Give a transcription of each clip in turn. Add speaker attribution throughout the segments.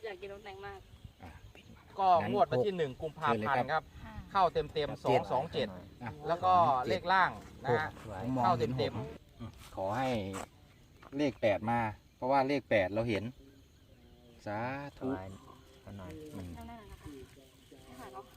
Speaker 1: อยากกินน้ำแดงมาก
Speaker 2: ก็งวดวันที่1 กุมภาพันธ์ครับเข้าเต็ม227แล้วก็เลขล่างนะฮะเข้าเต็มขอให้เลข8มาเพราะว่าเลข8เราเห็นสาธุ
Speaker 1: นั่นนะคะไม่หายหรอก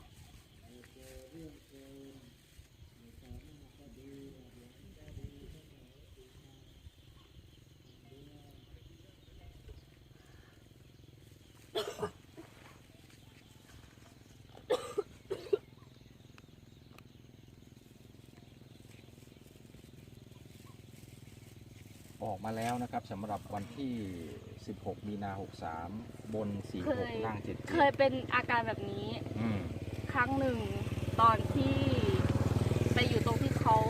Speaker 2: ออกมาแล้วนะครับสำหรับวันที่16 มีนา 63บน46ล่าง77
Speaker 1: เคยเป็นอาการแบบนี้ครั้งหนึ่งตอนที่ไปอยู่ตรงที่เขา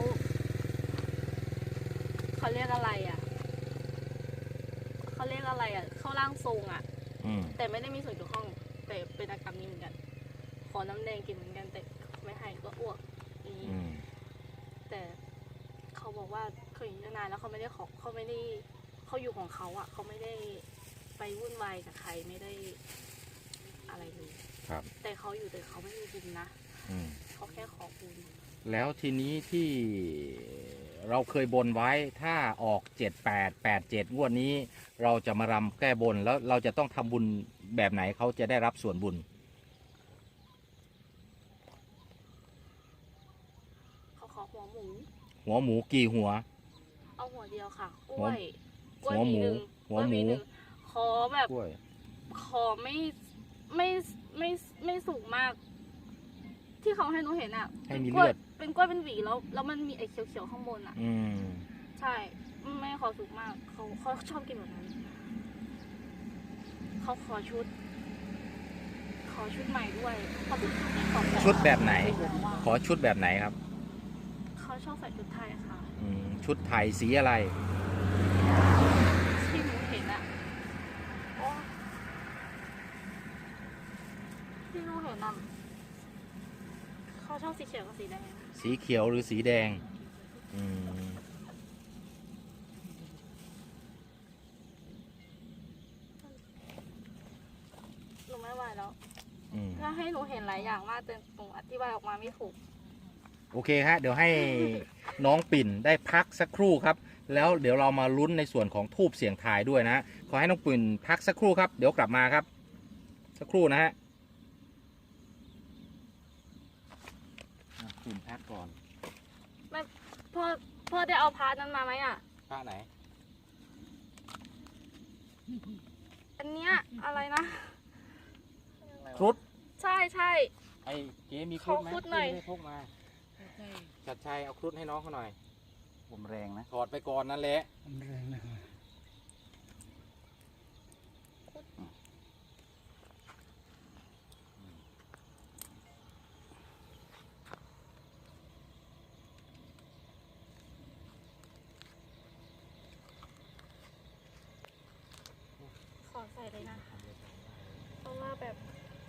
Speaker 1: เรียกอะไรอ่ะเขาเรียกอะไรอ่ะเข้าร่างทรงอ่ะแต่ไม่ได้มีส่วนเกี่ยวข้องแต่เป็นอาการนี้เหมือนกันขอน้ำแดงกินเหมือนกันแต่ไม่ให้ก็อ้วกนี้แต่เขาบอกว่าเขาอยู่นานแล้วเขาไม่ได้เขาอยู่ของเขาอ่ะเขาไม่ได้ไปวุ่นวายกับใครไม่ได้อะไรเลย
Speaker 2: ครับ
Speaker 1: แต่เขาอยู่แต่เขาไม่มีบุญนะเขาแค่ขอบุญ
Speaker 2: แล้วทีนี้ที่เราเคยบนไว้ถ้าออก7887งวดนี้เราจะมารำแก้บนแล้วเราจะต้องทำบุญแบบไหนเขาจะได้รับส่วนบุญ
Speaker 1: เขาขอหัวหมู
Speaker 2: กี่หัว
Speaker 1: เอาหัวเดียวค่ะกล้วย
Speaker 2: หัวหมู
Speaker 1: ขอแบบขอไม่สูงมากที่เขาให้หนูเห็นอ่ะ
Speaker 2: ให้มีเลือด
Speaker 1: เป็นกล้วยเป็นหวีแล้วมันมีไอ้เขียวๆข้างบนอ่ะใช่ไม่ขอสูงมากเขาชอบกินแบบนั้นเขาขอชุดใหม่ด้วยเขาเป็น
Speaker 2: ชุดแบบไหนขอชุดแบบไหนครับ
Speaker 1: เขาชอบใส่ชุดไทยค่ะ
Speaker 2: ชุดไทยสีอะไร
Speaker 1: ที่หนูเห็นอ่ะที่หนูเห็นอ่ะเขาชอบสีเขียวกับสีแดง
Speaker 2: สีเขียวหรือสีแดง
Speaker 1: หนูไม่ไหวแล้วถ้าให้หนูเห็นหลายอย่างมากแต่หนูอธิบายออกมาไม่ถูก
Speaker 2: โอเคฮะเดี๋ยวให้น้องปิ่นได้พักสักครู่ครับแล้วเดี๋ยวเรามาลุ้นในส่วนของทูบเสียงทายด้วยนะขอให้น้องปิ่นพักสักครู่ครับเดี๋ยวกลับมาครับสักครู่นะฮะปิ่นพักก่อน
Speaker 1: ไม่พ่อได้เอาพาร์ทนั้นมาไหมอ่ะ
Speaker 2: พาร์ทไหน
Speaker 1: อันเนี้ยอะไรนะ
Speaker 2: ครุฑ
Speaker 1: ใช่
Speaker 2: ไอ้เก๋มีครุฑไหม
Speaker 1: ครุฑหน่อย
Speaker 2: พกมาจัดชัยเอาครุฑให้น้องเขาหน่อยผมแรงนะถอดไปก่อนนั่นแหละแรงนะ
Speaker 1: ขอใส่เลยนะเพราะว่าแบบ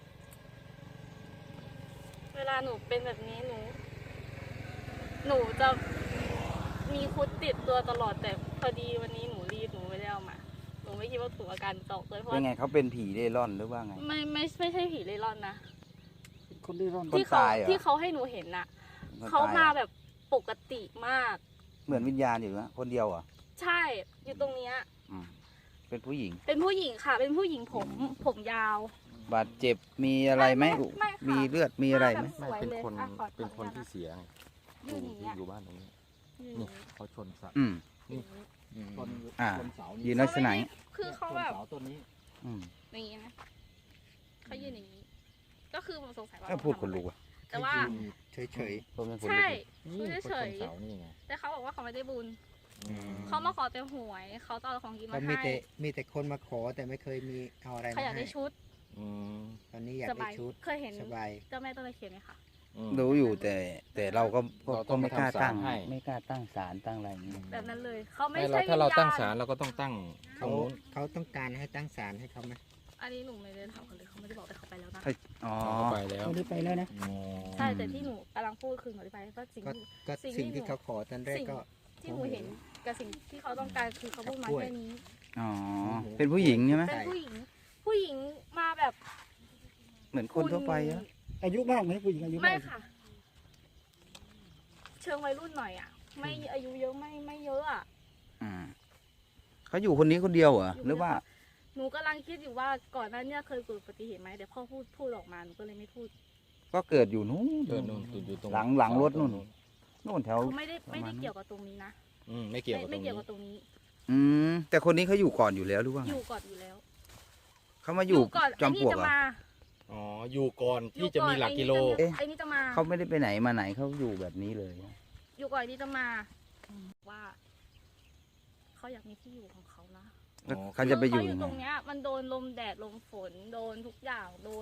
Speaker 1: เวลาหนูเป็นแบบนี้หนูจะมีคุดติดตัวตลอดแต่พอดีวันนี้หนูรีบหนูไม่ได้เอามาหนูไม่คิดว่าถูกอาการตกเลยเพราะ
Speaker 3: ยังไงเขาเป็นผีเร่ร่อนหรือว่าไง
Speaker 1: ไม่ใช่ผีเร่ร่อนนะ
Speaker 2: คนเร่ร่อน
Speaker 1: ที่เขาให้หนูเห็นน่ะเขามาแบบปกติมาก
Speaker 3: เหมือนวิญญาณอยู่นะคนเดียวอ่ะ
Speaker 1: ใช่อยู่ตรงเนี้ย
Speaker 3: เป็นผู้หญิง
Speaker 1: ค่ะเป็นผู้หญิงผมยาว
Speaker 3: บาดเจ็บมีอะไรไหมมีเลือดมีอะไรไหม
Speaker 2: ไม่เป็นคนที่เสียอยู่บ้านตรงนี้นี่เขาชนสัตว์นี่ชนเสา
Speaker 3: ยืนลักษณะ
Speaker 1: คือเขาแบบ
Speaker 2: เสาต้นนี้
Speaker 1: อย่างนี้นะเขายืนอย่างนี้ก็คือผมสงสัยว่า
Speaker 3: พูดคนรู้
Speaker 1: แต่ว่า
Speaker 3: เฉย
Speaker 1: ใช่เฉยแต่เขาบอกว่าเขาไม่ได้บุญเขามาขอแต่หวยเขาจะเอาของกินมาให้
Speaker 3: มีแต่คนมาขอแต่ไม่เคยมีเอาอะไร
Speaker 1: เขาอยากได้ชุด
Speaker 3: ตอนนี้อยากได้ชุด
Speaker 1: เคยเห็นเจ้าแม่ต้นตะเคียนไหมคะ
Speaker 3: รู้อยู่แต่เราก็ไม่กล้าตั้งศาลตั้งอะไรนี้
Speaker 1: แบบนั้นเลยเขาไม่ใช่
Speaker 2: ถ้าเราตั้งศาลเราก็ต้องตั้ง
Speaker 3: เขาต้องการให้ตั้งศาลให้เขาไหม
Speaker 1: อันนี้หนูไม่ได้ถามเขาเลยเขาไม่ได้บอกแต่เขาไปแล้วนะ
Speaker 2: ไปแล้ว
Speaker 3: เขาได้ไปแล้วนะ
Speaker 1: ใช่แต่ที่หนูกำลังพูดคือหนูได้ไปก็
Speaker 3: สิ่งที่เขาขอตอนแรกก็
Speaker 1: ที่หนูเห็นกับสิ่งที่เขาต้องการคือเขาพูดมาแค่นี้
Speaker 3: เป็นผู้หญิงใช่ไหม
Speaker 1: เป็นผู้หญิงมา
Speaker 3: เหมือนคนทั่วไปอะ
Speaker 4: อายุมากไหมผู้หญิงอายุ
Speaker 1: ไม่
Speaker 4: มาก
Speaker 1: ค่ะ เชิงวัยรุ่นหน่อยอ่ะ ไม่อายุเยอะไม่เยอะอ่ะ
Speaker 3: อืมเขาอยู่คนนี้คนเดียวเหรอ
Speaker 1: อยู่
Speaker 3: หรือว่า
Speaker 1: หนูกำลังคิดอยู่ว่าก่อนหน้าเนี้เคยเกิดอุบัติเหตุไหมเดี๋ยวพ่อพูดออกมาหนูก็เลยไม่พูด
Speaker 3: ก็เกิดอยู่นู้น
Speaker 2: เดินนู่นอยู่ตรง
Speaker 3: หลังรถนู่นนู่นแถว
Speaker 1: เขาไม่ได้
Speaker 3: ประมาณนั้น
Speaker 1: เกี่ยวกับตรงนี้นะ
Speaker 2: ไม่เกี่ยวกับตร
Speaker 1: ไม่
Speaker 2: ง
Speaker 1: เกี่
Speaker 2: นี้
Speaker 1: ยวกับตรงนี้
Speaker 3: แต่คนนี้เขาอยู่ก่อนอยู่แล้วหรือว่า
Speaker 1: อ
Speaker 3: ไง
Speaker 1: ยู่ก่อนอยู่แล้ว
Speaker 3: เขามาอยู่
Speaker 1: ก่อน
Speaker 3: จอม
Speaker 1: ไอ้
Speaker 3: ปล
Speaker 1: นี่
Speaker 3: วก
Speaker 1: จะ
Speaker 3: เหรอ
Speaker 1: มา
Speaker 2: อ๋ออยู่ก่อนที่จะมีหลักกิโล
Speaker 1: ไอ้นี่จะมา
Speaker 3: เขาไม่ได้ไปไหนมาไหนเขาอยู่แบบนี้เลย
Speaker 1: อยู่ก่อนไอ้นี่จะมาว่าเขาอยากมีที่อยู่ของเขานะ
Speaker 3: แล้วเขาจะไปอยู่
Speaker 1: เขาอ
Speaker 3: ยั
Speaker 1: ยู่
Speaker 3: ง
Speaker 1: ต
Speaker 3: ไง
Speaker 1: รงเนี้ย มันโดนลมแดดลมฝนโดนทุกอย่างโดน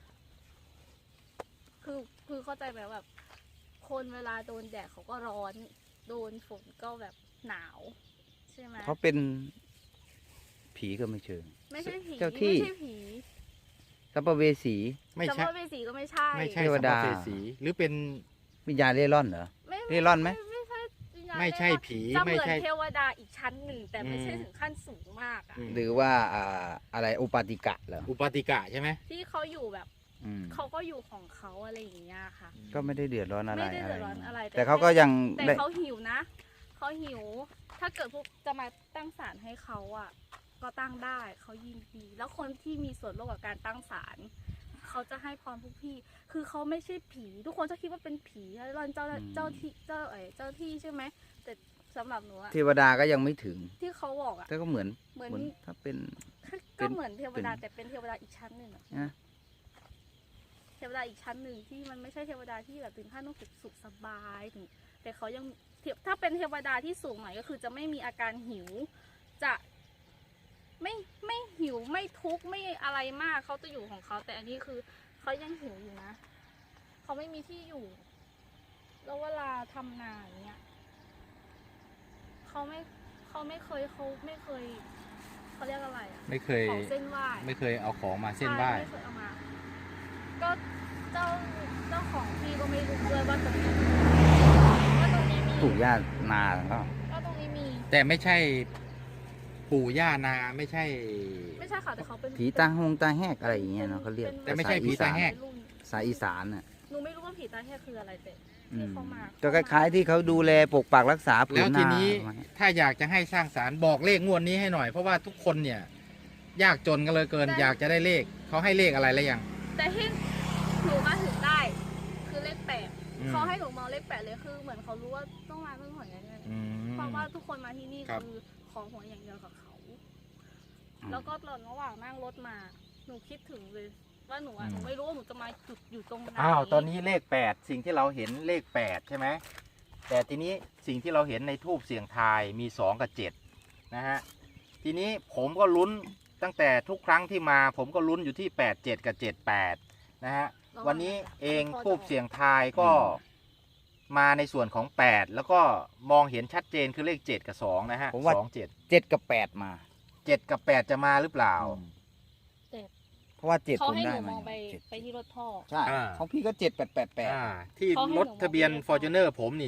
Speaker 1: คือเข้าใจไหมแบบ คนเวลาโดนแดดเขาก็ร้อน โดนฝนก็แบบหนาว ใช่ไหม
Speaker 3: เขาเป็นผีก็ไม่เชิง
Speaker 1: ไม่ใช่ผี
Speaker 3: เจ้าที่
Speaker 1: ไม่ใช่ผี
Speaker 3: สัมภเวสี
Speaker 2: ไม่
Speaker 1: สัม
Speaker 2: ใช่
Speaker 1: ภเวสีก็ไม่ใช่
Speaker 2: ไม่ใช่
Speaker 3: เทวดา
Speaker 2: สัมภเวสีหรือเป็น
Speaker 3: วิญญาณเร่ร่อนเหรอ
Speaker 1: ไม่
Speaker 3: เร่ร่อนไหม
Speaker 1: ไม่ใช่วิญญาณ
Speaker 2: ไม่ใช่
Speaker 1: เร่ร่อน
Speaker 2: ผี
Speaker 1: จะเห
Speaker 2: ไม่
Speaker 1: มือน
Speaker 2: ใช่
Speaker 1: เทวดาอีกชั้นหนึ่งแต่ไม่ใช่
Speaker 2: อืม
Speaker 1: ถึงขั้นสูงมากอะ
Speaker 3: หรือว่าอะไรอุปาติกะเหรอ
Speaker 2: อุปาติกะใช่ไหม
Speaker 1: ที่เขาอยู่แบบ
Speaker 3: อืม
Speaker 1: เขาก็อยู่ของเขาอะไรอย่างเงี้ยค่ะ
Speaker 3: ก็ไม่ได้เดือดร้อนอะไร
Speaker 1: ไม่ได้เดือดร้อนอะไร
Speaker 3: แต่เขาก็ยัง
Speaker 1: แต่
Speaker 3: ได้
Speaker 1: เขาหิวนะเขาหิว ถ้าเกิดพวกจะมาตั้งศาลให้เขาอ่ะ ก็ตั้งได้เขายินดี แล้วคนที่มีส่วนร่วมกับการตั้งศาลเขาจะให้พรพวกพี่ คือเขาไม่ใช่ผี ทุกคนจะคิดว่าเป็นผีแล้วเจ้าที่ใช่ไหมแต่สำหรับหนูอะ
Speaker 3: เทวดาก็ยังไม่ถึง
Speaker 1: ที่เขาบอกอะ
Speaker 3: แต่ก็เหมือน
Speaker 1: เหมือน
Speaker 3: ถ้าเป็น
Speaker 1: ก็เหมือนเทวดา
Speaker 3: เป็น
Speaker 1: แต่เป็นเทวดาอีกชั้นหนึ่งอะ
Speaker 3: นะ
Speaker 1: เทวดาอีกชั้นหนึ่งที่มันไม่ใช่เทวดาที่แบบถึงขั้นต้องสุขสบายถึงแต่เขายังถ้าเป็นเทวดาที่สูงหน่อยก็คือจะไม่มีอาการหิว จะไม่หิวไม่ทุกข์ไม่อะไรมากเขาจะอยู่ของเขาแต่อันนี้คือเขายังหิวอยู่นะเขาไม่มีที่อยู่ แล้วเวลาทำนาอย่างเงี้ยเขาไม่เคยเขาเรียกอะไรอะ
Speaker 2: ไม่เคย
Speaker 1: ของเส้นไหว้
Speaker 2: ไม่เคยเอาของมาเส้นไหว้
Speaker 1: ใช่ไม่เคยเอามา ก็เจ้าของที่ก็ไม่รู้ด้วยว่าตรงนี้มี
Speaker 3: ถูกญาตินาก็
Speaker 1: ก็ตรงนี้มี
Speaker 2: แต่ไม่ใช่ปู่ย่านาไม่ใช่
Speaker 1: ไม่ใช่ค่ะแต่เขาเป็น
Speaker 3: ผีตาหงตาแหกอะไรอย่างเงี้ยเนาะเขาเรียก
Speaker 2: แต่ไม่ใช่ผีตาแหก
Speaker 3: สายอีสานน่ะ
Speaker 1: หนูไม่รู้ว่าผีตาแหกคืออะไรแต่
Speaker 3: อื
Speaker 1: ที่
Speaker 3: ม
Speaker 1: เขามา
Speaker 3: ก็คล้ายๆที่เขาดูแลปกปักรักษาผื
Speaker 2: แล้
Speaker 3: น
Speaker 2: ว
Speaker 3: นา
Speaker 2: ทีนี้
Speaker 3: ประมาณเนี้ย
Speaker 2: ถ้าอยากจะให้สร้างสารบอกเลขงวดนี้ให้หน่อย เพราะว่าทุกคนเนี่ย ยากจนกันเลยเกิน อยากจะได้เลขเขาให้เลขอะไรแล้วยัง
Speaker 1: แต่ที่หนูมาถึงได้ คือเลข8
Speaker 2: อืม
Speaker 1: เขาให้หนูมองเลข8เลยคือเหมือนเขารู้ว่าต้องมาเพื่อหวยแน่
Speaker 2: อืม
Speaker 1: ๆเพราะว่าทุกคนมาที่นี่
Speaker 2: ครับ
Speaker 1: คือขอหวยอย่างเดียวกับเขา แล้วก็ตอนระหว่างนั่งรถมา หนูคิดถึงเลย ว่าหนูอ่ะหนูไม่รู้ว่าหนูจะมาจุดอยู่ตรงไหน
Speaker 2: อ้าวตอนนี้เลข8สิ่งที่เราเห็นเลข8ใช่ไหมแต่ทีนี้สิ่งที่เราเห็นในทูบเสียงทายมี2กับ7นะฮะทีนี้ผมก็ลุ้นตั้งแต่ทุกครั้งที่มา ผมก็ลุ้นอยู่ที่87กับ78นะฮะวันนี้เองทูบเสียงทายก็มาในส่วนของ8แล้วก็มองเห็นชัดเจนคือเลข7กับ2นะฮะ
Speaker 3: ผมว่า
Speaker 2: 2 7
Speaker 3: 7 กับ 8 มา
Speaker 2: 7กับ8จะมาหรือเปล่า
Speaker 3: เพราะว่า7
Speaker 1: เขา
Speaker 3: ผม
Speaker 1: ให้ห
Speaker 3: ได้
Speaker 1: นูม
Speaker 3: มา
Speaker 1: องไป
Speaker 3: เจ็ด
Speaker 1: ไปที่รถพ่อ
Speaker 3: ใช่
Speaker 2: อ่า
Speaker 3: ของพี่ก็ 7 8 8 8
Speaker 2: ที่
Speaker 1: เขาให้
Speaker 2: รถทะเบียน
Speaker 1: หนูมอง
Speaker 2: Fortuner ผมนี่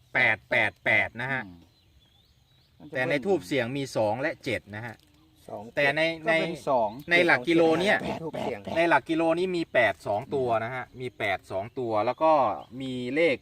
Speaker 2: 7888นะฮะแต่ในทูบเสียงมี2และ7นะฮะ แต่ใน
Speaker 3: ก็เป็น2
Speaker 2: ในหลักกิโลเนี่ย
Speaker 3: ทูบเสียง
Speaker 2: ในหลักกิโลนี้มี8 2ตัวนะฮะมี8 2ตัวแล้วก็มีเลข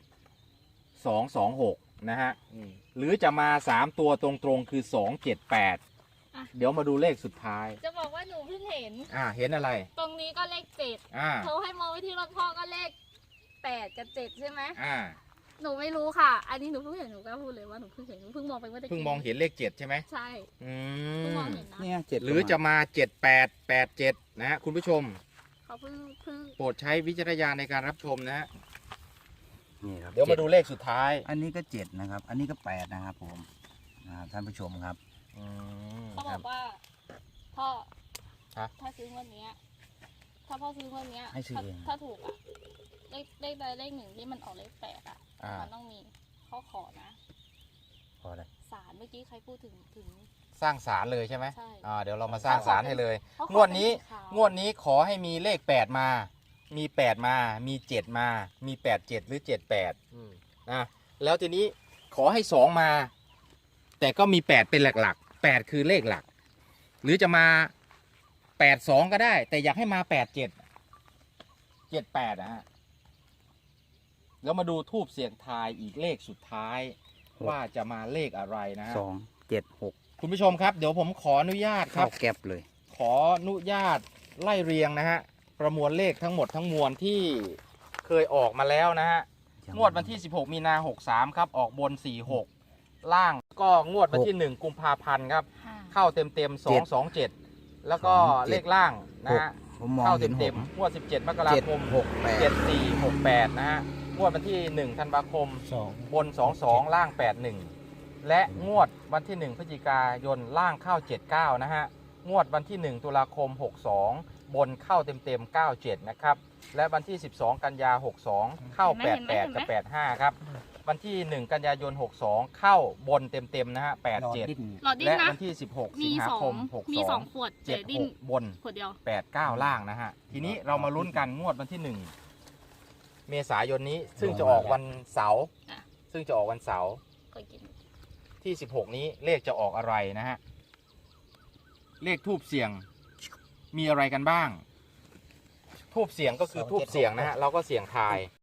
Speaker 2: 2 2 6นะฮะหรือจะมา3ตัวตรงๆคือ2 7 8เดี๋ยวมาดูเลขสุดท้าย
Speaker 1: จะบอกว่าหนูเพิ่งเห็น
Speaker 2: เห็นอะไร
Speaker 1: ตรงนี้ก็เลข7
Speaker 2: อ่า
Speaker 1: เขาให้มองไปที่รถพ่อก็เลข8กับ7ใช่ไหม
Speaker 2: อ่า
Speaker 1: หนูไม่รู้ค่ะ อันนี้หนูเพิ่งเห็นหนูก็พูดเลยว่าหนูเพิ่งเห็นหนูเพิ่งมองไปเมื่อตะกี้
Speaker 2: เพิ่งมองเห็นเลข7ใช่ไหม
Speaker 1: ใช่
Speaker 2: อื
Speaker 1: เพิ่งมอง
Speaker 2: ม
Speaker 1: เห็นนะ
Speaker 3: เนี่ย7
Speaker 2: หรือจะมา7 8 8 7นะฮะคุณผู้ชม
Speaker 1: เขาเพิ่ง
Speaker 2: โปรดใช้วิจารณญาณในการรับชมนะฮะ
Speaker 3: นี่ครับ
Speaker 2: เดี๋ยวมาดูเลขสุดท้าย
Speaker 3: อันนี้ก็7นะครับอันนี้ก็8นะครับผมนะครับท่านผู้ชมครับ
Speaker 1: เขาบอกว่าพ่อ
Speaker 2: ฮะ
Speaker 1: ถ้าซื้องวดเนี้ยถ้าพ่อซื้องวดเนี้ย
Speaker 3: ให้ซื้อเอง
Speaker 1: ถ้าถูกอะเลขใดเลขหนึ่งที่มันออกเลข8อะ
Speaker 2: อ่ามั
Speaker 1: มันต้องมีข้อขอนะ
Speaker 3: พอได้
Speaker 1: ศาลเมื่อกี้ใครพูดถึง
Speaker 2: สร้างศาลเลยใช่ไหม
Speaker 1: ใช่
Speaker 2: เดี๋ยวเรามาสร้างศาลให้เลย
Speaker 1: เขาของ
Speaker 2: วดนี้
Speaker 1: เป็สีขาว
Speaker 2: งวดนี้ขอให้มีเลข8มามี8มามี7มามี8 7หรือ7 8นะแล้วทีนี้ขอให้2มา แต่ก็มี8เป็นหลักๆ8คือเลขหลัก หรือจะมา8 2ก็ได้ แต่อยากให้มา8 7 78นะฮะแล้วมาดูทูบเสียงทายอีกเลขสุดท้ายว่าจะมาเลขอะไรนะฮะ
Speaker 3: 276
Speaker 2: คุณผู้ชมครับเดี๋ยวผมขออนุญาตค
Speaker 3: เข้า
Speaker 2: รับ
Speaker 3: แก็บเลย
Speaker 2: ขออนุญาตไล่เรียงนะฮะประมวลเลขทั้งหมดทั้งมวลที่เคยออกมาแล้วนะฮะงวดวันที่ 16 มีนา 63 ครับออกบน 46 ล่างก็งวดวันที่ 1 กุมภาพันธ์ครับเข้าเต็ม227 แล้วก็เลขล่างนะฮะ
Speaker 3: ผมมอง
Speaker 2: เข้า
Speaker 3: เห็น
Speaker 2: เต็มๆงวด 17 มกราคม 7468 นะฮะงวดวันที่ 1 ธันวาคม บน 22 ล่าง 81 และงวดวันที่ 1 พฤศจิกายนล่างเข้า 79 นะฮะงวดวันที่ 1 ตุลาคม 62 บนเข้าเต็มๆ 97 นะครับและวันที่ 12 กันยา 62 เข้า 88 กับ 85 ครับวันที่ 1 กันยายน 62 เข้าบนเต็มๆ นะฮะ 87
Speaker 1: หลอดดิ้น
Speaker 2: และ
Speaker 1: นะ
Speaker 2: วันที่ 16
Speaker 1: มี
Speaker 2: สิงหา
Speaker 1: สอ
Speaker 2: ค
Speaker 1: ง
Speaker 2: ม
Speaker 1: มีสอง
Speaker 2: 62
Speaker 1: ขวดแต่ดิ้น
Speaker 2: 76 บน
Speaker 1: ขวดเดียว
Speaker 2: 89 ล่างนะฮะทีนี้เรามาลุ้นกันงวดวันที่ 1 เมษายนนี้ซึ่งจะออกวันเสาร์
Speaker 1: อ่ะ
Speaker 2: ซึ่งจะออกวันเสาร์
Speaker 1: ก็กิน
Speaker 2: ที่ 16 นี้เลขจะออกอะไรนะฮะเลขทูบเสียงมีอะไรกันบ้างทูบเสียงก็คือทูบเสียงนะฮะเราก็เสียงทาย